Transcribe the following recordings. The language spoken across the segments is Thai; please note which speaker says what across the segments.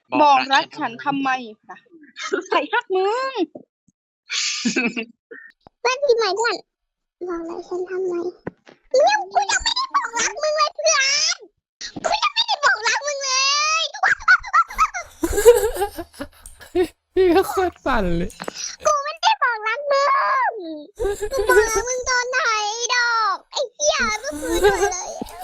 Speaker 1: บอกรักฉันทำไมนะใส่ฮักมึง
Speaker 2: เพื่อนพี่ใหม่เพื่อนบอกรักฉันทำไมเนี่ยกูยังไม่ได้บอกรักมึงเลยเพื่อนกูยังไม่ได้บอกรักมึงเลย
Speaker 3: พี่ก็โคตรปั่นเลย
Speaker 2: กูไม่ได้บอกรักมึงกูบอกรักมึงตอนไหนดอกไอ้เหี้ยก็คือเลย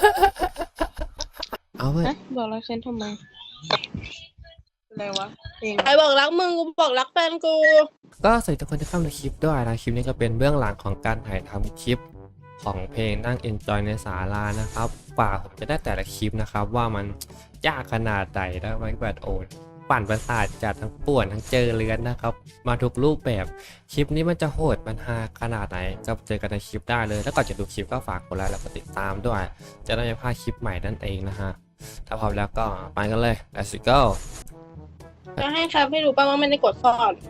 Speaker 3: เอาเว้ย
Speaker 1: บอกรักฉันทำไมอะไรวะใครบอกรักมึงกูบอกรักแฟนกู
Speaker 3: ก็สวัสดีทุกคนที่เข้ามาในคลิปด้วยนะคลิปนี้ก็เป็นเบื้องหลังของการถ่ายทำคลิปของเพลงนั่ง Enjoy ในศาลานะครับกว่าผมจะได้แต่ละคลิปนะครับว่ามันยากขนาดไหนนะมันแบบโอดปั่นประสาทจัดทั้งป่วนทั้งเจอเลือนนะครับมาทุกรูปแบบคลิปนี้มันจะโหดมันฮาขนาดไหนก็เจอกันในคลิปได้เลยแล้วก่อนจะดูคลิปก็ฝากกดไลค์แล้วก็ติดตามด้วยจะได้ไม่พลาดคลิปใหม่นั่นเองนะฮะถ้าพร้อมแล้วก็ไปกันเลย let's go
Speaker 1: จะให้ครับให้รู้ป่ะว่าไม่ได้กดซ่อน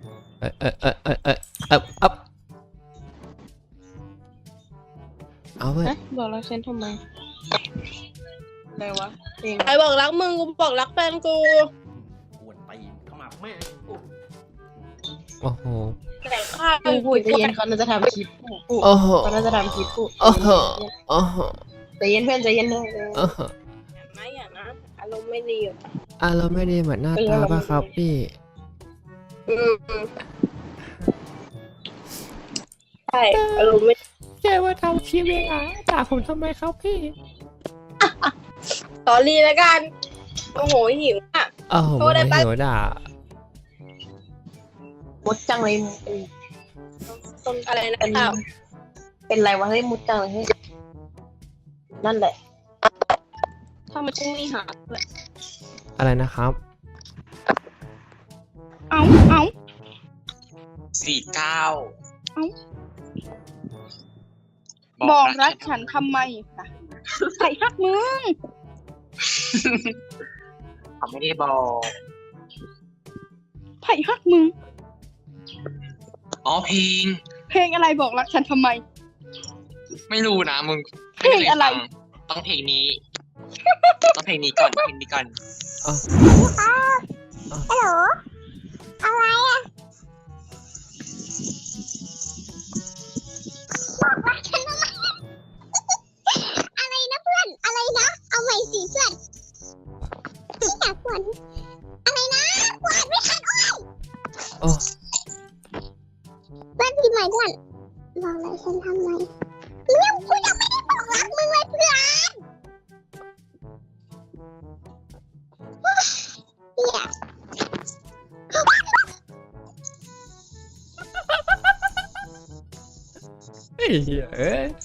Speaker 3: เอาเว้ย
Speaker 1: บอกรักฉันทำไมอะไรวะใครบอกรักมึงกูบอกรักแฟนกู
Speaker 4: ปวดตีนเข้ามาแม่กู
Speaker 3: โอ้โห
Speaker 1: แต่ข้า
Speaker 5: พูดใจเย็นเขาน่าจะทำคลิป
Speaker 3: โอ้โห
Speaker 5: เขาน่าจะทำคลิปพูด
Speaker 3: โอ้โหโอ้โห
Speaker 5: ใจเย็นเพื่อนใจเย็นเลย
Speaker 3: โอ้โห
Speaker 1: ไม่อย่างนะอารมณ์ไม่ดีอ่ะ
Speaker 3: เราไม่ได้เหมือนหน้าตาป่ะครับพี่
Speaker 1: ใช่อารมณ์ไม่
Speaker 3: แกว่าทำคลิปเองด่าผมทำไมครับพี่
Speaker 1: ตอรี่แล้วกันโอ้โหหิวอ่ะ
Speaker 3: โอ้โห
Speaker 1: โทษได้ปะ
Speaker 3: หิวด่า
Speaker 5: มุดจังเลย
Speaker 1: ต้นอะไรนะ
Speaker 5: เป็น
Speaker 1: ข้าว
Speaker 5: เป็นไรวะเฮ้ยมุดจังเลยเฮ้ยนั่นแหละ
Speaker 1: ถ้ามันชุ่มนี่หาเลย
Speaker 3: อะไรนะครับ
Speaker 1: เอา
Speaker 4: 49
Speaker 1: บอกรักฉันทำไมนะใส่ฮักมึง
Speaker 4: เขาไม่ได้บอก
Speaker 1: ไผ่ฮักมึง
Speaker 4: อ๋อ
Speaker 1: เพลงอะไรบอกรักฉันทำไม
Speaker 4: ไม่รู้นะมึง
Speaker 1: เพลงอะไร
Speaker 4: ต้องเพลงนี้ ต้องเพลงนี้ก่อนเพลงนี้ก่อน
Speaker 2: ฮัลโหลอะไรอะบอกรักฉันทำไมอะไรนะเพื่อนอะไรนะเอาใหม่สิเพื่อนนี่อยากฝนอะไรนะฝนไม่ทันโอ้ย
Speaker 3: โอ้
Speaker 2: เพื่อนพี่ใหม่เพื่อนบอกรักฉันทำไมเนี่ยกูยังไม่ได้บอกรักมึงเลยเพื่อนเนี่ย
Speaker 3: เฮ้ยเอ้ย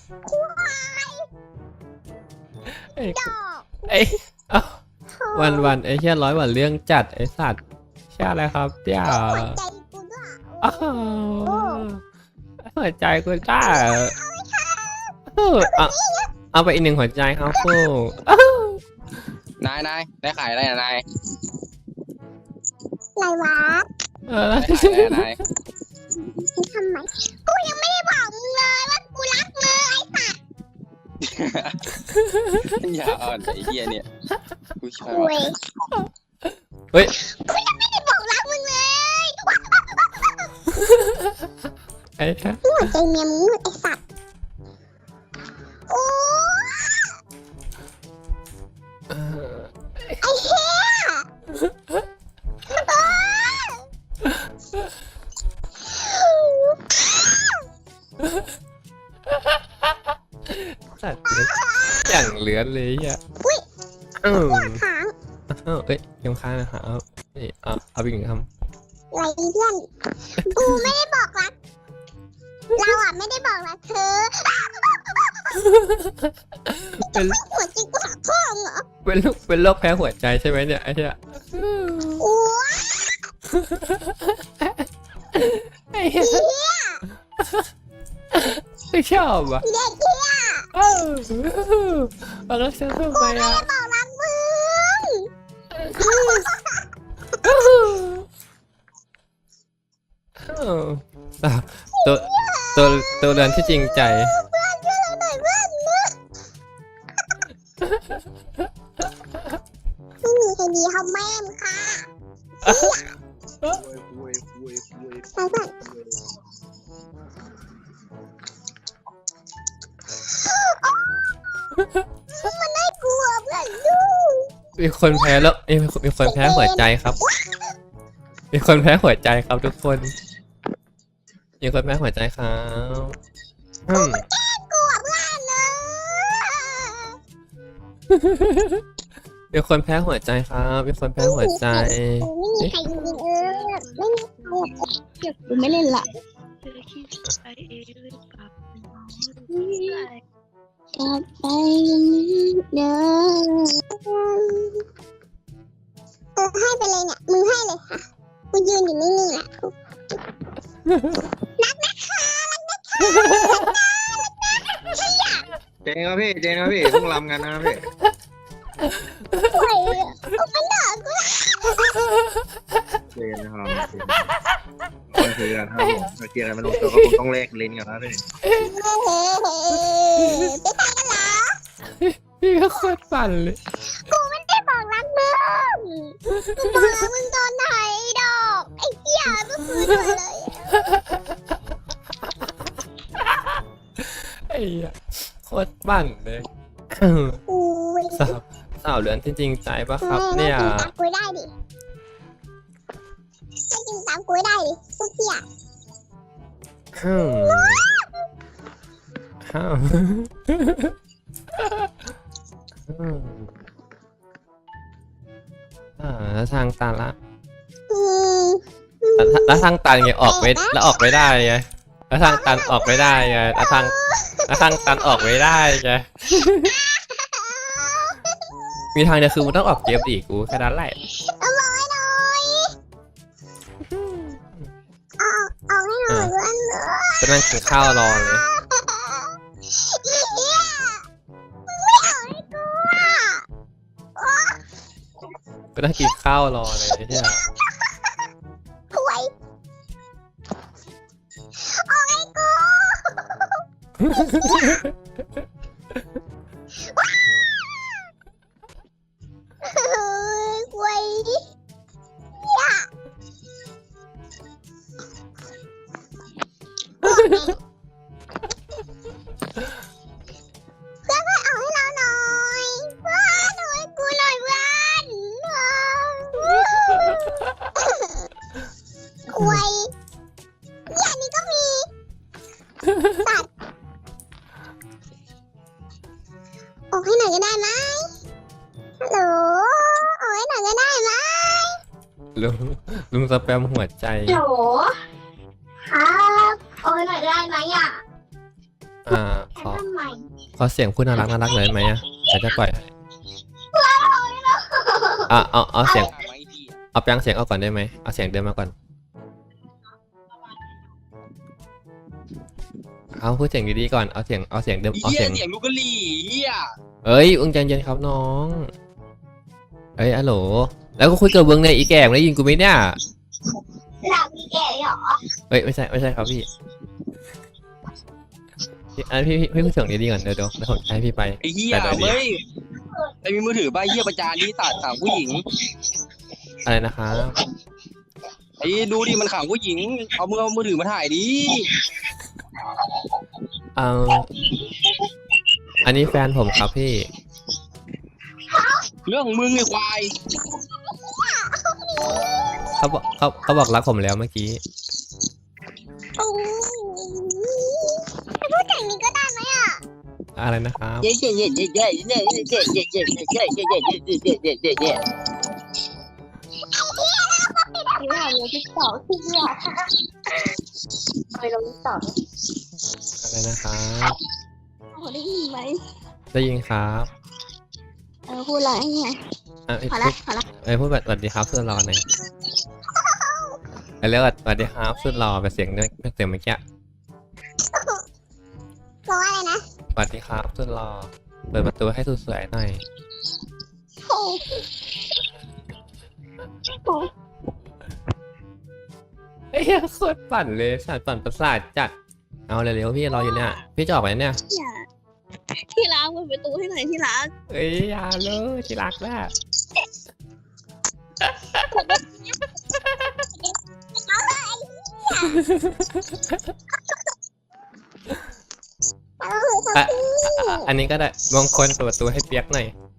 Speaker 3: เอ้ย
Speaker 2: ดอก
Speaker 3: เอ้ยเอ้าวันไอ้เชี่ยร้อยวันเรื่องจัดไอ้สัตว์เชี่ยอะไรครับเจ้า
Speaker 2: หัวใจกูด้วย
Speaker 3: อ้าวหัวใจกูจ้าเอาไปอีกหนึ่งหัวใจครับฟู
Speaker 4: นายได้ขายอะไรนาย
Speaker 2: อะไรวะ
Speaker 4: ได้ขายอะไรนาย
Speaker 2: ทำไมกูยังไม่ได้บอกมึงเลยว่ากูรักมึงไอ้สัตว์
Speaker 4: อย่าอ่อนไอ้เหี้ยเนี่ยกูชอบ
Speaker 2: คุย
Speaker 3: เฮ้ย
Speaker 2: กูยังไม่ได้บอกรักมึงเลย
Speaker 3: ไอ้ฮะ
Speaker 2: หัวใจเมียมึงไอ้สัตว์โอ้ไอ้เหี้ย
Speaker 3: สัตว์อย่างเหลือเลยอ่ะ
Speaker 2: หัวค้าง
Speaker 3: เอ้ยยังค้างนะครับนี่เอาไปอีกหนึ่งค
Speaker 2: ไรเพื่อนกูไม่ได้บอกรักเราอ่ะไม่ได้บอกรักเธอ
Speaker 3: ำเป็น
Speaker 2: หัวใจกูหักข้องเหรอ
Speaker 3: เป็นโรคแพ้หัวใจใช่ไหมเนี่ยไอ้เหี้ย
Speaker 2: โอ้ย
Speaker 3: ไอ้เหี้ยไม่ชอบอ่ะ
Speaker 2: เด็กเหี้ย
Speaker 3: เอาแล้วฉันทำไมอ่ะ
Speaker 2: บอกรักมึง
Speaker 3: ตัวเรือนที่จริงใจ
Speaker 2: เพื่อนช่วยเราหน่อยเพื่อนไม่มีใครดีเขาแม่มค่ะไปเพื่อนมันน่ากลัวเพื่อนดู
Speaker 3: มีคนแพ้แล้วมีคนแพ้หัวใจครับ มีคนแพ้หัวใจครับทุกคน มีคนแพ้หัวใจครับ
Speaker 2: กลัวเพื่อนเลย
Speaker 3: มีคนแพ้หัวใจครับ มีคนแพ้หัวใจ
Speaker 2: ไม่มีใครจริงๆไม่มีใครเดี๋ยวกูไม่เล่นละกลับไปเด้อให้ไปเลยเนี่ยมึงให้เลยค่ะกูยืนอยู่นิ่งๆแหละรักนะคะรักนะคะ
Speaker 6: เจนครับพี่เพิ่งรำกันนะครับพี่
Speaker 2: โอ้ยกูไม่หนากู
Speaker 6: เจนนะครับคนคือกันครับผมเกียร์อะไรมันลงตัวก็คงต้องแลกลิ้นกันนะพี่
Speaker 2: ไปตายกันเหรอ
Speaker 3: พี่ก็โคตรปั่นเลย
Speaker 2: กูไม่ได้บอกรักมึงกูบอกรักมึงตอนไหนดอกไอ้เหี้ยก็คือเลย
Speaker 3: ไอ้เหี้ยโคตรปั่นเลย
Speaker 2: อุ้ย
Speaker 3: สาวเหลือนจริงๆใจปะครับเนี่ย
Speaker 2: ให้จริงตามกูได้ดิให้จริงตามกูได้ดิพวกเหี้ย
Speaker 3: แล้วทางตันละ
Speaker 2: อืม
Speaker 3: แล้วทางตันไงออกไม่แล้วออกไม่ได้ไงแล้วทางตันออกไม่ได้ไงแล้วทางตันออกไม่ได้ไงมีทางเดียวคือมึงต้องออกเกมอีกกูแค่นั้นแหละ
Speaker 2: เอาไว้หน่อยเอาให้หน่อยเพื่อนเลย
Speaker 3: จะนั่งกินข้าวรอเลย
Speaker 2: เหี้ยมึงไม่เอาให้กูอ่ะ
Speaker 3: ก็นั่งกินข้าวรอเลยเนี่ย
Speaker 2: ห่วยเอาให้กูห่วยเหี้ยเพื่อนเอาให้เราหน่อยเพื่อนเอาให้กูหน่อยเพื่อนห่วยเนี่ยนี่ก็มีตัดออกให้หน่อยก็ได้ไหมฮัลโหลออกให้หน่อยก็ได้ไหม
Speaker 3: ลุงสแปมหัวใจ
Speaker 2: ฮัลโหลครับออกให้หน่อยได้ไหมอ่ะ
Speaker 3: ขอ
Speaker 2: ทำไม
Speaker 3: เสียงพูดน่ารักเลยไหมอ่ะเดี๋ยวจะปล่อยให้เอาเสียงเอาแปลงเสียงเอาก่อนได้ไหมเอาเสียงเดิมมาก่อนเอาพูดเสียงดีๆก่อนเอาเสียงเดิมเอา
Speaker 4: เหี้
Speaker 3: เสี
Speaker 4: ย
Speaker 3: ยง
Speaker 4: เสียงลูกกะหรี่เหี้ย
Speaker 3: เอ้ยอึ้งใจเย็นครับน้องเอ้ยอะโหลแล้วก็คุยกับเบิ้งเนี่ยอีแก่ได้ยินกูไหมเนี่ย
Speaker 2: หลับมีแก่เหรอ
Speaker 3: เอ้ยไม่ใช่ครับพี่พี่พูดเสียงดีๆก่อนเดี๋ยวผมให้พี่ไป
Speaker 4: ไอ้เหี้ย
Speaker 3: แต่เดี๋ยว
Speaker 4: เว้ยไอ้มีมือถือป่ะเหี้ยประจานนี่ตัดขังผู้หญิง
Speaker 3: อะไรนะครับ
Speaker 4: ไอ้ดูดิมันขังผู้หญิงเอามือถือมาถ่ายดิ
Speaker 3: อันนี้แฟนผมครับพี่
Speaker 4: เรื่องของมึงไอ้ควาย
Speaker 3: เขาบอกรักผมแล้วเมื่อกี้
Speaker 2: พูดอย่างนี้ก็ได้ไหมอ่ะ
Speaker 3: อะไรนะครับ
Speaker 4: เย้เย้เย้เย้เย้เย้เย้เย้เย้เย้เย้เย้เย้เย้เย้เย้เย้
Speaker 2: ที่ว่าเราที่สองที่เนี่ยไปลงที่สอง
Speaker 3: อะไรนะครับ
Speaker 2: ได้ยินไหม
Speaker 3: ได้ยินครับ
Speaker 2: พูดอะไรไง พอละ
Speaker 3: พูดสวัสดีครับสุดหล่อหน่อยเรียกว่าสวัสดีครับสุดหล่อแบบเสียงเมื่อกี้
Speaker 2: บอกว่าอะไรนะ
Speaker 3: สวัสดีครับสุดหล่อเปิดประตูให้สุดสวยหน่อย
Speaker 2: โอ้โห
Speaker 3: เฮ้ยโคตรปั่นเลยปั่นประสาทจัดเอาเร็วๆพี่รออยู่เนี่ยพี่จะออกไปเนี่ย
Speaker 2: ที่รักเปิดประตูให้หน่อยที่รัก
Speaker 3: เอ้ยอย่าเลยที่รักแหละอันนี้ก็ได้มงคลเปิดประตูให้เปียกหน่อย